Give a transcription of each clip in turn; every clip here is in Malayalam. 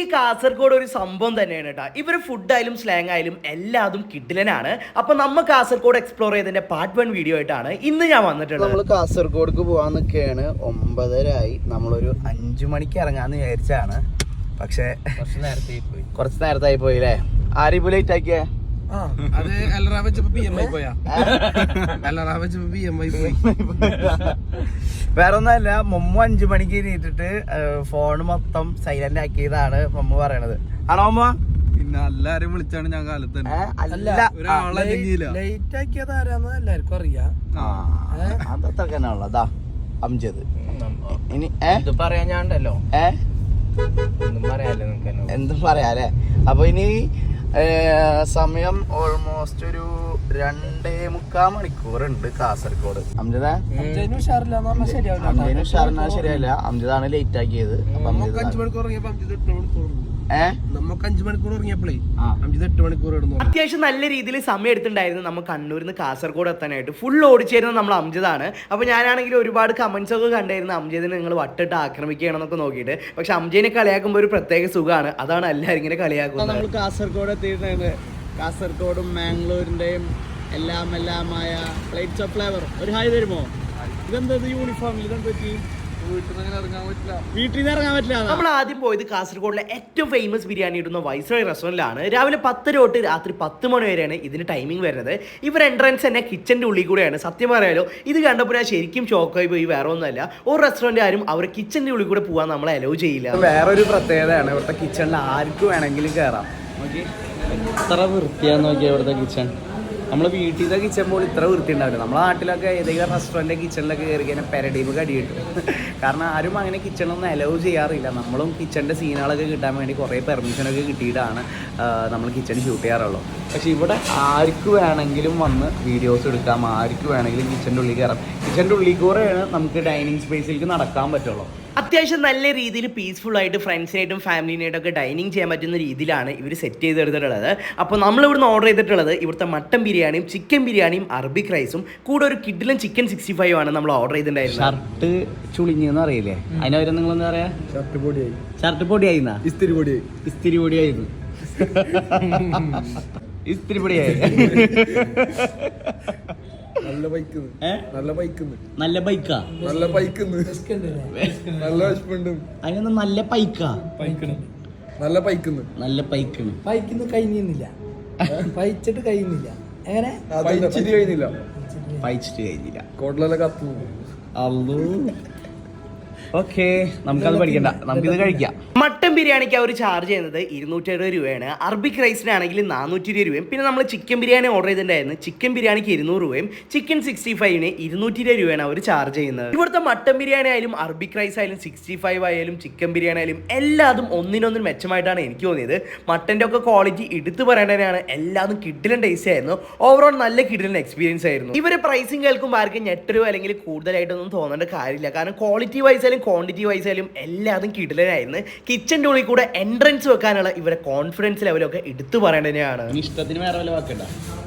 കാസർഗോഡ് ഒരു സംഭവം തന്നെയാണ് കേട്ടോ. ഇവർ ഫുഡായാലും സ്ലാങ് ആയാലും എല്ലാതും കിഡിലനാണ്. അപ്പൊ നമ്മൾ കാസർഗോഡ് എക്സ്പ്ലോർ ചെയ്തതിന്റെ പാർട്ട് 1 വീഡിയോ ആയിട്ടാണ് ഇന്ന് ഞാൻ വന്നിട്ടുള്ളത്. നമ്മൾ കാസർഗോഡ്ക്ക് പോകാൻ നിൽക്കുകയാണ്. 9:30 നമ്മളൊരു 5 മണിക്ക് ഇറങ്ങാന്ന് വിചാരിച്ചാണ്. പക്ഷെ കുറച്ച് നേരത്തായി പോയി അല്ലേ? ആരും ലേറ്റ് ആക്കിയേ? വേറെ ഒന്നല്ല, മമ്മു 5 മണിക്ക് എണീറ്റിട്ട് ഫോൺ മൊത്തം സൈലന്റ് ആക്കിയതാണ് മമ്മു പറയണത്. ആണോ അമ്മ? പിന്നെ എല്ലാരും വിളിച്ചാണ് ഞാൻ കാലത്ത് ലേറ്റ് ആക്കിയത് ആരാന്ന് എല്ലാവർക്കും അറിയാം. അതത്ര തന്നെയാണല്ലോ അംജദ്. ഇനി പറയാൻ ഞാണ്ടല്ലോ എന്തും പറയാല്ലേ. അപ്പൊ ഇനി സമയം ഓൾമോസ്റ്റ് ഒരു 2.25 മണിക്കൂറുണ്ട് കാസർഗോഡ്. അംജദ് ശരിയാവില്ല. അംജദാണ് ലേറ്റ് ആക്കിയത്. നമുക്ക് 5 മണിക്കൂർ ഇറങ്ങിയപ്പോഴേ 8 മണിക്കൂർ അത്യാവശ്യം നല്ല രീതിയിൽ സമയം എടുത്തിട്ടുണ്ടായിരുന്നു നമ്മൾ കണ്ണൂരിൽ നിന്ന് കാസർഗോഡ് എത്താനായിട്ട്. ഫുൾ ഓടിച്ചേരുന്നത് നമ്മൾ അംജദാണ്. അപ്പോൾ ഞാനാണെങ്കിൽ ഒരുപാട് കമന്റ്സ് ഒക്കെ കണ്ടായിരുന്നു, അംജദിനെ നിങ്ങൾ വട്ടിട്ട് ആക്രമിക്കുകയാണെന്നൊക്കെ നോക്കിയിട്ട്. പക്ഷെ അംജദിനെ കളിയാക്കുമ്പോൾ ഒരു പ്രത്യേക സുഖമാണ്. അതാണ് എല്ലാവരും ഇങ്ങനെ കളിയാക്കുന്നത്. നമ്മൾ കാസർഗോഡ് എത്തിയിട്ടുണ്ട്. കാസർഗോഡും മാംഗ്ലൂരിന്റെയും എല്ലാമായ പ്ലേറ്റ്സ് ഓഫ് ഫ്ലേവർ. ഒരു ഹായ് തരുമോ? ഇതെന്താ യൂണിഫോമിൽ ഇതെന്താ? വീട്ടിൽ നിന്ന് ഇറങ്ങാൻ പറ്റില്ല. നമ്മൾ ആദ്യം പോയത് കാസർഗോഡിലെ ഏറ്റവും ഫേമസ് ബിരിയാണി ഇടുന്ന വൈസ്രോയ് റെസ്റ്റോറൻറ്റിലാണ്. രാവിലെ 10 തൊട്ട് രാത്രി 10 മണി വരെയാണ് ഇതിന് ടൈമിംഗ് വരുന്നത്. ഇവർ എൻട്രൻസ് തന്നെ കിച്ചൻ്റെ ഉള്ളിൽ കൂടെയാണ്. സത്യം പറയാലോ, ഇത് കണ്ടപ്പോൾ ഞാൻ ശരിക്കും ഷോക്കായി പോയി. വേറെ ഒന്നുമല്ല, ഒരു റെസ്റ്റോറൻറ്റ് ആരും അവർ കിച്ചൻ്റെ ഉള്ളിൽ കൂടെ പോകാൻ നമ്മളെ അലോ ചെയ്യില്ല. വേറൊരു പ്രത്യേകതയാണ് ഇവിടുത്തെ കിച്ചണിൽ ആർക്ക് വേണമെങ്കിലും കയറാം. നോക്കി എത്ര വൃത്തിയാന്ന് നോക്കിയാൽ ഇവിടുത്തെ കിച്ചൺ. നമ്മൾ വീട്ടിലത്തെ കിച്ചൺ പോലും ഇത്ര വൃത്തി ഉണ്ടാവില്ല. നമ്മളെ നാട്ടിലൊക്കെ ഏതെങ്കിലും റെസ്റ്റോറൻറ്റ് കിച്ചണിലൊക്കെ കയറി കഴിഞ്ഞാൽ പെരടീമ് കടി കിട്ടും. കാരണം ആരും അങ്ങനെ കിച്ചണൊന്നും അലോ ചെയ്യാറില്ല. നമ്മളും കിച്ചണിൻ്റെ സീനുകളൊക്കെ കിട്ടാൻ വേണ്ടി കുറേ പെർമിഷനൊക്കെ കിട്ടിയിട്ടാണ് നമ്മൾ കിച്ചൺ ഷൂട്ട് ചെയ്യാറുള്ളൂ. പക്ഷേ ഇവിടെ ആർക്ക് വേണമെങ്കിലും വന്ന് വീഡിയോസ് എടുക്കാം, ആർക്ക് വേണമെങ്കിലും കിച്ചൻ്റെ ഉള്ളിൽ കയറാം. കിച്ചൻ്റെ ഉള്ളിൽ കൂടെയാണ് നമുക്ക് ഡൈനിങ് സ്പേസിലേക്ക് നടക്കാൻ പറ്റുള്ളൂ. അത്യാവശ്യം നല്ല രീതിയിൽ പീസ്ഫുൾ ആയിട്ട് ഫ്രണ്ട്സിനായിട്ടും ഫാമിലിനായിട്ടൊക്കെ ഡൈനിങ് ചെയ്യാൻ പറ്റുന്ന രീതിയിലാണ് ഇവർ സെറ്റ് ചെയ്തെടുത്തിട്ടുള്ളത്. അപ്പോൾ നമ്മൾ ഇവിടുന്ന് ഓർഡർ ചെയ്തിട്ടുള്ളത് ഇവിടുത്തെ മട്ടൻ ബിരിയാണിയും ചിക്കൻ ബിരിയാണിയും അറബിക് റൈസും കൂടെ ഒരു കിഡിലും ചിക്കൻ 65 ആണ് നമ്മൾ ഓർഡർ ചെയ്തിട്ടുണ്ടായിരുന്നത്. ഷർട്ട് ചുളിഞ്ഞെന്ന് അറിയില്ലേ? അതിനവരെ നിങ്ങളെന്താ പറയാ? ഷർട്ട് പൊടിയായിരുന്ന ഇസ്തിരി പൊടിയായിരുന്നു. ഇസ്തിരി പൊടിയായി. നല്ല ബൈക്കാ നല്ല വിശപ്പുണ്ട്. അതിനൊന്നും നല്ല പൈക്കാ നല്ല പൈക്കുന്നു കഴിയുന്നില്ല. പൈച്ചിട്ട് കഴിയുന്നില്ല. എങ്ങനെ പൈച്ചിട്ട് കഴിഞ്ഞില്ല. കോട്ടിലെ കത്തു. അല്ലോ ഓക്കെ, നമുക്കത് പഠിക്കണ്ട, നമുക്കിത് കഴിക്കാം. മട്ടൻ ബിരിയാണിക്ക് അവർ ചാർജ് ചെയ്യുന്നത് 270 രൂപയാണ്. അറബിക് റൈസിനാണെങ്കിൽ 420 രൂപയും. പിന്നെ നമ്മൾ ചിക്കൻ ബിരിയാണി ഓർഡർ ചെയ്തിട്ടുണ്ടായിരുന്നു. ചിക്കൻ ബിരിയാണിക്ക് 200 രൂപയും ചിക്കൻ 65ന് 220 രൂപയാണ് അവർ ചാർജ് ചെയ്യുന്നത്. ഇവിടുത്തെ മട്ടൻ ബിരിയാണി ആയാലും അറബിക് റൈസ് ആയാലും 65 ആയാലും ചിക്കൻ ബിരിയാണി ആയാലും എല്ലാതും ഒന്നിനൊന്നും മെച്ചമായിട്ടാണ് എനിക്ക് തോന്നിയത്. മട്ടൻ്റെ ഒക്കെ ക്വാളിറ്റി എടുത്തു പറയേണ്ടതാണ്. എല്ലാതും കിഡിലൻ ടേസ്റ്റ് ആയിരുന്നു. ഓവറോൾ നല്ല കിഡിലൻ എക്സ്പീരിയൻസ് ആയിരുന്നു. ഇവരെ പ്രൈസിങ് കേൾക്കുമ്പോൾ ആർക്കും ഞെട്ടരോ അല്ലെങ്കിൽ കൂടുതലായിട്ടൊന്നും തോന്നേണ്ട കാര്യമില്ല. കാരണം ക്വാളിറ്റി വൈസ് ആയാലും ക്വാണ്ടിറ്റി വൈസ് ആയാലും എല്ലാതും കിഡിലനായിരുന്നു. കിച്ചൻ്റെ ഉള്ളിൽ കൂടെ എൻട്രൻസ് വെക്കാനുള്ള ഇവരെ കോൺഫിഡൻസ് ലെവലൊക്കെ എടുത്തു പറയേണ്ടതാണ്. ഇഷ്ടത്തിന് വേറെ വല്ല വാക്കണ്ട.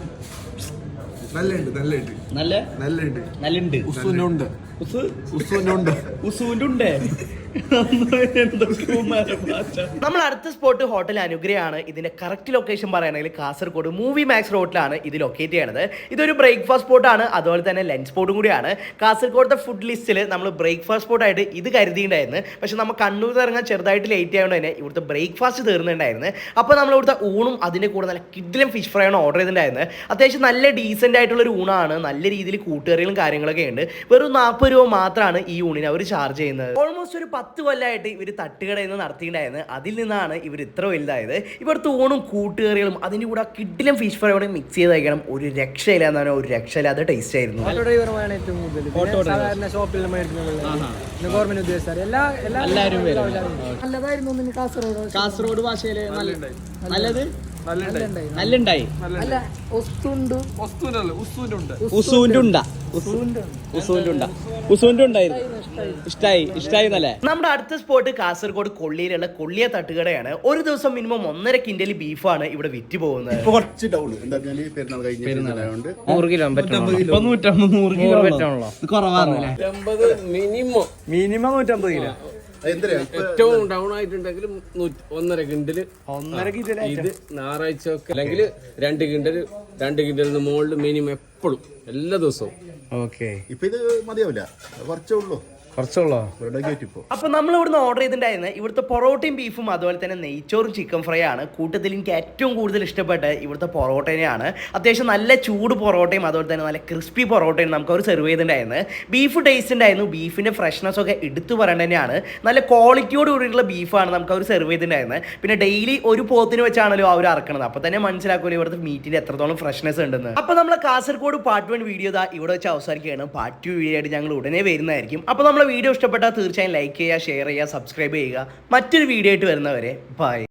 നമ്മൾ അടുത്ത സ്പോട്ട് ഹോട്ടൽ അനുഗ്രഹമാണ്. ഇതിന്റെ കറക്റ്റ് ലൊക്കേഷൻ പറയുകയാണെങ്കിൽ കാസർഗോഡ് മൂവി മാക്സ് റോഡിലാണ് ഇത് ലൊക്കേറ്റ് ചെയ്യണത്. ഇതൊരു ബ്രേക്ക്ഫാസ്റ്റ് സ്പോട്ടാണ്, അതുപോലെ തന്നെ ലഞ്ച് സ്പോട്ടും കൂടിയാണ്. കാസർഗോഡത്തെ ഫുഡ് ലിസ്റ്റിൽ നമ്മൾ ബ്രേക്ക്ഫാസ്റ്റ് സ്പോട്ടായിട്ട് ഇത് കരുതിയിട്ടുണ്ടായിരുന്നു. പക്ഷെ നമ്മൾ കണ്ണൂർ ഇറങ്ങാൻ ചെറുതായിട്ട് ലേറ്റ് ആയതുകൊണ്ട് തന്നെ ഇവിടുത്തെ ബ്രേക്ക്ഫാസ്റ്റ് തീർന്നിട്ടുണ്ടായിരുന്നു. അപ്പോൾ നമ്മൾ ഇവിടുത്തെ ഊണും അതിൻ്റെ കൂടെ നല്ല കിഡിലും ഫിഷ് ഫ്രൈ ആണ് ഓർഡർ ചെയ്തിട്ടുണ്ടായിരുന്നത്. അത്യാവശ്യം നല്ല ഡീസൻ്റ് ആയിട്ടുള്ളൊരു ഊണാണ്. നല്ല രീതിയിൽ കൂട്ടുകറികളും കാര്യങ്ങളൊക്കെ ഉണ്ട്. വെറും 40 രൂപ മാത്രമാണ് ഈ ഊണിന് അവർ ചാർജ് ചെയ്യുന്നത്. ഓൾമോസ്റ്റ് ഒരു 10 കൊല്ലമായിട്ട് ഇവർ തട്ടുകടയിൽ നിന്ന് നടത്തിയിട്ടുണ്ടായിരുന്നു. അതിൽ നിന്നാണ് ഇവർ ഇത്ര വലുതായത്. ഇവിടുത്തെ ഊണും കൂട്ടുകറികളും അതിൻ്റെ കൂടെ കിഡിലും ഫിഷ് ഫ്രൈയോടെ മിക്സ് ചെയ്ത് കഴിക്കണം. ഒരു രക്ഷയില്ല എന്ന് പറഞ്ഞാൽ ഒരു രക്ഷയില്ലാത്ത ടേസ്റ്റ് ആയിരുന്നു. ഏറ്റവും കൂടുതൽ സാധാരണ ഷോപ്പിൽ ഗവൺമെന്റ് ഉദ്യോഗസ്ഥർ എല്ലാവരും നല്ലതായിരുന്നു. കാസർഗോഡ് ഭാഷയില് നല്ലത് നല്ലുണ്ടായി. ഇഷ്ടായി നല്ല. നമ്മുടെ അടുത്ത സ്പോട്ട് കാസർഗോഡ് കൊള്ളിയിലുള്ള കൊള്ളിയ തട്ടുകടയാണ്. ഒരു ദിവസം മിനിമം 1.5 കിൻഡൽ ബീഫാണ് ഇവിടെ വിറ്റ് പോകുന്നത്. കുറച്ച് ഡൗൺ എന്താ പെരുന്നാളായതുകൊണ്ട് 100 കിലോ കുറവാണ്. Minimum 150 kilo. എന്തിനാ ഏറ്റവും ഡൗൺ ആയിട്ടുണ്ടെങ്കിൽ 1.5 കിണ്ടല് 1.5 കിലോ ഇത് ഞായറാഴ്ച ഒക്കെ അല്ലെങ്കിൽ 2 കിണ്ടലിന് മുകളിൽ മിനിമം എപ്പോഴും എല്ലാ ദിവസവും. ഓക്കെ, ഇപ്പൊ ഇത് മതിയാവില്ല, കുറച്ചേ ഉള്ളൂ, കുറച്ചുള്ളോ? ഇവരുടെ ഗേറ്റ് ഇപ്പോ. അപ്പോൾ നമ്മൾ ഇവിടുന്ന് ഓർഡർ ചെയ്തിട്ടുണ്ടായിരുന്നത് ഇവിടുത്തെ പൊറോട്ടയും ബീഫും അതുപോലെ തന്നെ നെയ്ച്ചോറും ചിക്കൻ ഫ്രൈ ആണ്. കൂട്ടത്തിൽ എനിക്ക് ഏറ്റവും കൂടുതൽ ഇഷ്ടപ്പെട്ട ഇവിടുത്തെ പൊറോട്ടേനെയാണ്. അത്യാവശ്യം നല്ല ചൂട് പൊറോട്ടയും അതുപോലെ തന്നെ നല്ല ക്രിസ്പി പൊറോട്ടയും നമുക്ക് അവർ സെർവ് ചെയ്തിട്ടുണ്ടായിരുന്നത്. ബീഫ് ടേസ്റ്റ് ഉണ്ടായിരുന്നു, ബീഫിൻ്റെ ഫ്രഷ്നെസ് ഒക്കെ എടുത്തു പറയേണ്ടത് തന്നെയാണ്. നല്ല ക്വാളിറ്റിയോട് കൂടിയിട്ടുള്ള ബീഫാണ് നമുക്ക് അവർ സെർവ് ചെയ്തിട്ടുണ്ടായിരുന്നത്. പിന്നെ ഡെയിലി ഒരു പോത്തിന് വെച്ചാണല്ലോ അവർ ഇറക്കുന്നത്, അപ്പോൾ തന്നെ മനസ്സിലാക്കുമല്ലോ ഇവിടുത്തെ മീറ്റിൻ്റെ എത്രത്തോളം ഫ്രഷ്നെസ് ഉണ്ടെന്ന്. അപ്പോൾ നമ്മൾ കാസർഗോഡ് പാർട്ട് 1 വീഡിയോ ഇവിടെ വെച്ച് അവസാനിക്കുകയാണ്. പാർട്ട് 2 വീഡിയോ ആയിട്ട് ഞങ്ങൾ ഉടനെ വരുന്നതായിരിക്കും. അപ്പോൾ നമ്മൾ വീഡിയോ ഇഷ്ടപ്പെട്ടാൽ തീർച്ചയായും ലൈക്ക് ചെയ്യുക, ഷെയർ ചെയ്യുക, സബ്സ്ക്രൈബ് ചെയ്യുക. മറ്റൊരു വീഡിയോ ആയിട്ട് വരുന്നവരെ ബൈ.